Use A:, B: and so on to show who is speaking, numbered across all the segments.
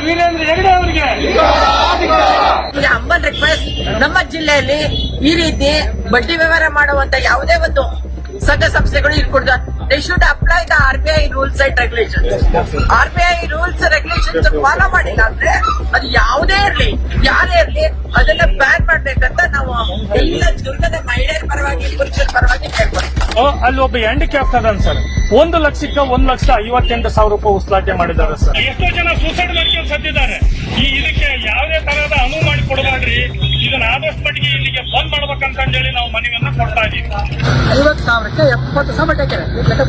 A: ವೀರೇಂದ್ರ ಹೆಗಡೆ ಅವರಿಗೆ
B: humble request, ನಮ್ಮ ಜಿಲ್ಲೆಯಲ್ಲಿ ಈ ರೀತಿ ಬಡ್ಡಿ ವ್ಯವಹಾರ ಮಾಡುವಂತ ಯಾವುದೇ ಒಂದು ಸಂಘ ಸಂಸ್ಥೆಗಳು ಇರ್ಕೊಡ್ದ they should apply the RBI rules and regulations. RBI rules regulations follow ಮಾಡಿಲ್ಲ ಅಂದ್ರೆ ಅದು ಯಾವುದೇ ಇರ್ಲಿ, ಯಾರೇ ಇರ್ಲಿ, ಅದನ್ನ ಬ್ಯಾನ್ ಮಾಡ್ಬೇಕಂತ ನಾವು ಎಲ್ಲ ದುರ್ಗದ ಮಹಿಳೆಯರ ಪರವಾಗಿ, ಪುರುಷರ ಪರವಾಗಿ ಕೇಳ್ಕೊಳ್ತೀವಿ.
A: ಅಲ್ಲಿ ಒಬ್ಬ ಹ್ಯಾಂಡಿಕ್ಯಾಪ್ಟ್ ಅದಾನ ಸರ್, 1,58,000 ರೂಪಾಯಿ ಉಸ್ಲಾಟೆ ಮಾಡಿದ್ದಾರೆ ಸರ್. ಎಷ್ಟೋ ಜನ ಸೂಸೈಡ್ ಮಾಡ್ಕೊಂಡು ಸತ್ತಿದ್ದಾರೆ. ಇದಕ್ಕೆ ಯಾವುದೇ ತರಹದ ಅನುವು ಮಾಡಿ ಕೊಡಬಾರ್ದ್ರಿ. ಇದನ್ನ ಆದಷ್ಟು ಮಟ್ಟಿಗೆ ಇಲ್ಲಿಗೆ ಬಂದ್ ಮಾಡ್ಬೇಕಂತ ಹೇಳಿ ನಾವು ಮನವಿಯನ್ನ ಕೊಡ್ತಾ ಇದೀವಿ.
C: 50,000ಕ್ಕೆ 70,000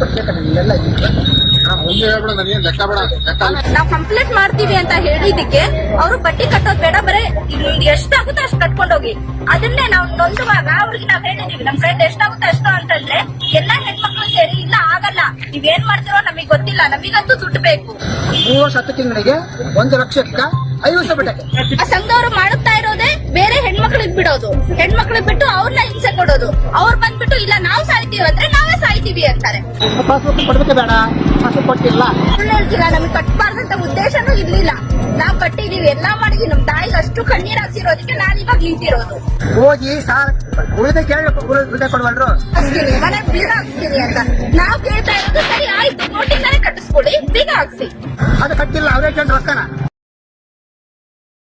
D: ನಾವು ಕಂಪ್ಲೇಂಟ್ ಮಾಡ್ತೀವಿ ಅಂತ ಹೇಳಿದಕ್ಕೆ ಅವರು ಬಡ್ಡಿ ಕಟ್ಟೋದು ಬೇಡ, ಬರೀ ಎಷ್ಟಾಗುತ್ತೋ ಅಷ್ಟು ಕಟ್ಕೊಂಡೋಗಿ. ಅದನ್ನೇ ನಾವು ನೊಂದುವಾಗ ಅವ್ರಿಗೆ ನಾವ್ ಹೇಳಿದೀವಿ, ನಮ್ ಫ್ರೆಂಡ್ ಎಷ್ಟಾಗುತ್ತೋ ಅಷ್ಟು ಅಂತಂದ್ರೆ ಎಲ್ಲಾ ಹೆಣ್ಮಕ್ಳು ಸೇರಿ ಇಲ್ಲ ಆಗಲ್ಲ, ನೀವೇನ್ ಮಾಡ್ತಿರೋ ನಮಗ್ ಗೊತ್ತಿಲ್ಲ, ನಮಗಂತೂ ದುಡ್ಡು ಬೇಕು.
C: 3 ವರ್ಷ 10 ತಿಂಗಳಿಗೆ 1,50,000
D: ಆ ಸಂಘದವ್ರು ಮಾಡುತ್ತಾ ಇರೋದೇ ಬೇರೆ ಹೆಣ್ಮಕ್ಳಿಗೆ ಬಿಡೋದು, ಹೆಣ್ಮಕ್ಳಿಗೆ ಬಿಟ್ಟು ಅವ್ರನ್ನ ಹಿಂಸೆ ಕೊಡೋದು. ಅವ್ರು ಬಂದ್ಬಿಟ್ಟು ಇಲ್ಲ ನಾವು ಸಾಯ್ತೀವಿ ಅಂದ್ರೆ ನಾವೇ ಸಾಯ್ತೀವಿ ಅಂತಾರೆ.
C: ಪಾಸ್ಬುಕ್ ಕೊಡ್ಬೇಕೆ ಬೇಡ, ಪಾಸ್ಬುಕ್ ಕೊಟ್ಟಿಲ್ಲ.
D: ಸುಳ್ಳು ಹೇಳ್ತಿಲ್ಲ, ನಮ್ಗೆ ಕಟ್ಬಾರ್ದಂತ ಉದ್ದೇಶನೂ ಇರ್ಲಿಲ್ಲ. ನಾವ್ ಕಟ್ಟಿದೀವಿ, ಎಲ್ಲಾ ಮಾಡಿದೀವಿ. ನಮ್ ತಾಯಿಗೆ ಅಷ್ಟು ಕಣ್ಣೀರ್ ಹಾಕ್ಸಿರೋದಕ್ಕೆ ನಾನು ಇವಾಗ ನಿಂತಿರೋದು.
C: ಹೋಗಿ ಸಾರ್ ಉಳಿದ ಕೇಳಬೇಕು, ಉಳಿದ ಕೊಡ್ಬಲ್ರು
D: ಹಾಕ್ಸ್ತೀನಿ, ಮನೆ ಬೀಗ ಹಾಕ್ಸ್ತೀನಿ ಅಂತ ನಾವ್ ಕೇಳ್ತಾ ಇರೋದು. ಸರಿ ಆಯ್ತು, ನೋಟಿಂದಾನೆ ಕಟ್ಟಿಸ್ಕೊಡಿ, ಬೀಗ ಹಾಕ್ಸಿ.
C: ಅದು ಕಟ್ಟಿಲ್ಲ, ಅವರೇ ಕೇಳಿ ರೊಕ್ಕನ